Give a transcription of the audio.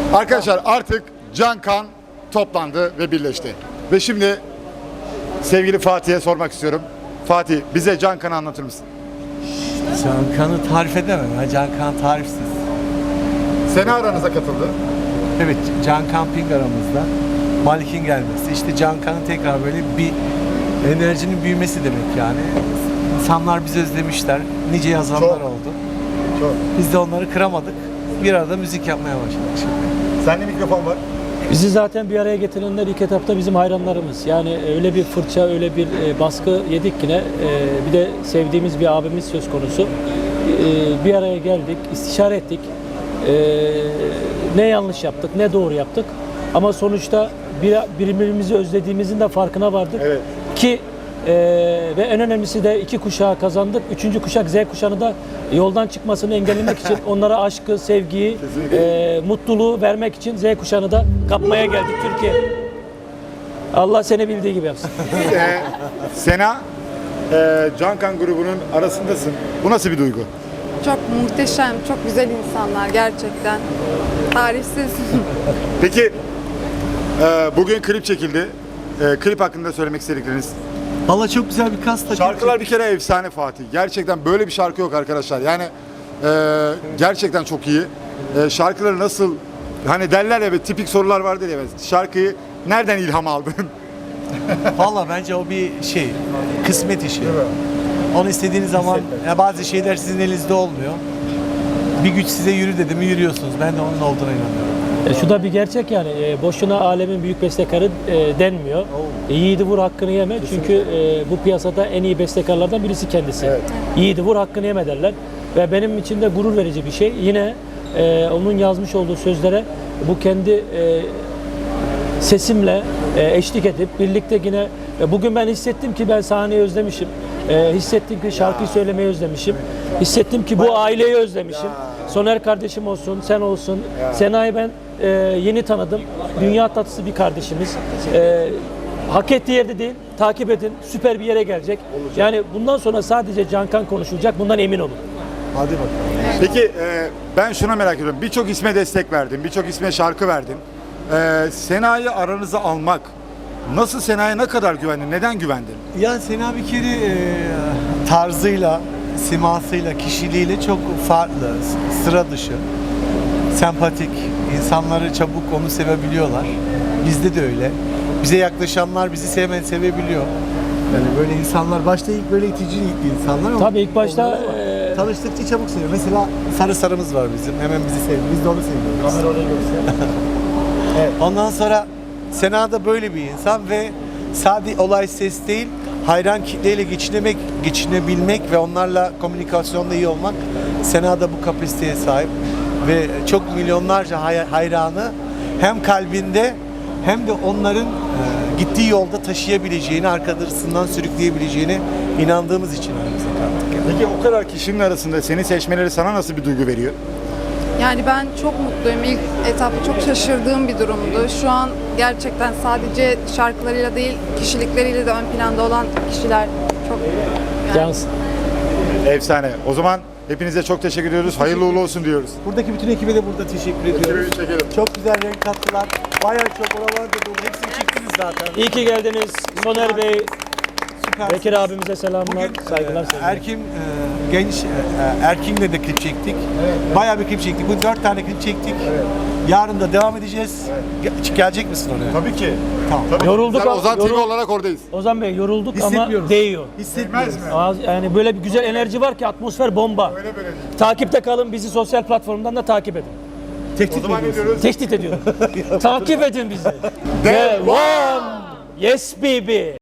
Arkadaşlar artık Can Kan toplandı ve birleşti. Ve şimdi sevgili Fatih'e sormak istiyorum. Fatih, bize Can Kan'ı anlatır mısın? Can Kan'ı tarif edemem. Can Kan tarifsiz. Sena aranıza katıldı. Evet, Can Camping aramızda. Malik'in gelmesi. İşte Can Kan'ın tekrar böyle bir enerjinin büyümesi demek yani. İnsanlar bizi özlemişler. Nice yazanlar Çok. oldu. Çok. Biz de onları kıramadık. Bir arada müzik yapmaya başladık şimdi. Sende mikrofon var. Bizi zaten bir araya getirenler ilk etapta bizim hayranlarımız. Yani öyle bir fırça, öyle bir baskı yedik ki ne. Bir de sevdiğimiz bir abimiz söz konusu. Bir araya geldik, istişare ettik. Ne yanlış yaptık, ne doğru yaptık. Ama sonuçta birbirimizi özlediğimizin de farkına vardık. Evet. Ki ve en önemlisi de 2 kuşağı kazandık. 3. kuşak Z kuşağını da yoldan çıkmasını engellemek için onlara aşkı, sevgiyi, mutluluğu vermek için Z kuşağını da kapmaya geldik Türkiye. Allah seni bildiği gibi yapsın. Sena, Can Kan grubunun arasındasın. Bu nasıl bir duygu? Çok muhteşem, çok güzel insanlar gerçekten. Tarifsiz. Peki, bugün klip çekildi. Klip hakkında söylemek istedikleriniz? Valla çok güzel bir kast. Şarkılar bir kere efsane Fatih. Gerçekten böyle bir şarkı yok arkadaşlar. Yani gerçekten çok iyi. Şarkıları nasıl, hani derler ya, tipik sorular vardır ya, şarkıyı nereden ilham aldın? Valla bence o bir şey, kısmet işi. Onu istediğiniz zaman ya bazı şeyler sizin elinizde olmuyor. Bir güç size yürü dedi mi yürüyorsunuz. Ben de onun olduğuna inanıyorum. Şu da bir gerçek yani. Boşuna alemin büyük bestekarı denmiyor. Yiğidi vur hakkını yeme. Çünkü bu piyasada en iyi bestekarlardan birisi kendisi. Evet. Yiğidi vur hakkını yeme derler. Ve benim için de gurur verici bir şey. Yine onun yazmış olduğu sözlere bu kendi sesimle eşlik edip birlikte yine bugün ben hissettim ki ben sahneyi özlemişim. Hissettim ki şarkıyı söylemeyi özlemişim. Hissettim ki bu aileyi özlemişim. Soner kardeşim olsun, sen olsun. Sena'yı ben yeni tanıdım. Dünya tatlısı bir kardeşimiz. Hak ettiği yerde değil, takip edin. Süper bir yere gelecek. Yani bundan sonra sadece Can Kan konuşulacak. Bundan emin olun. Hadi bakalım. Peki ben şuna merak ediyorum. Birçok isme destek verdin, birçok isme şarkı verdin. Sena'yı aranıza almak, nasıl, Sena'ya ne kadar güvendin, neden güvendin? Ya Sena bir kere tarzıyla, simasıyla, kişiliğiyle çok farklı, sıra dışı, sempatik, insanları çabuk onu sevebiliyorlar. Bizde de öyle. Bize yaklaşanlar bizi sevebiliyor. Yani böyle insanlar, başta ilk böyle itici insanlar ama Tabii ilk başta tanıştıkça çabuk seviyor. Mesela sarımız var bizim, hemen bizi seviyor. Biz de onu seviyoruz. Evet. Ondan sonra Sena da böyle bir insan ve sadece olay ses değil, hayran kitleyle geçinebilmek ve onlarla komünikasyonda iyi olmak. Sena da bu kapasiteye sahip ve çok milyonlarca hayranı hem kalbinde hem de onların gittiği yolda taşıyabileceğini, arkasından sürükleyebileceğine inandığımız için aramıza kattık. Peki o kadar kişinin arasında seni seçmeleri sana nasıl bir duygu veriyor? Yani ben çok mutluyum. İlk etapta çok şaşırdığım bir durumdu. Şu an gerçekten sadece şarkılarıyla değil, kişilikleriyle de ön planda olan kişiler çok cansın. Efsane. O zaman hepinize çok teşekkür ediyoruz. Hayırlı uğurlu olsun diyoruz. Buradaki bütün ekibe de burada teşekkür ediyoruz. Ekibi çekelim. Çok güzel renk kattılar. Bayağı çok oralarda dolu. Hepsini çektiniz zaten. İyi ki geldiniz. Soner Bey, Süpersiniz. Bekir abimize selamlar, Bugün saygılar. sevgiler. Erkin'le de klip çektik. Bayağı bir klip çektik. Bugün 4 tane klip çektik. Yarın da devam edeceğiz. Gelecek misin oraya? Tabii ki. Tamam. Tabii. Yorulduk Sen ama- Ozan TV olarak oradayız. Ozan Bey yorulduk ama Hissetmiyoruz. değiyor. Hissetmez mi? Yani böyle bir güzel enerji var ki atmosfer bomba. Öyle böyle değil. Takipte kalın, bizi sosyal platformdan da takip edin. O zaman ne diyoruz? Tehdit ediyorum. Takip edin bizi. Devam. Yes baby.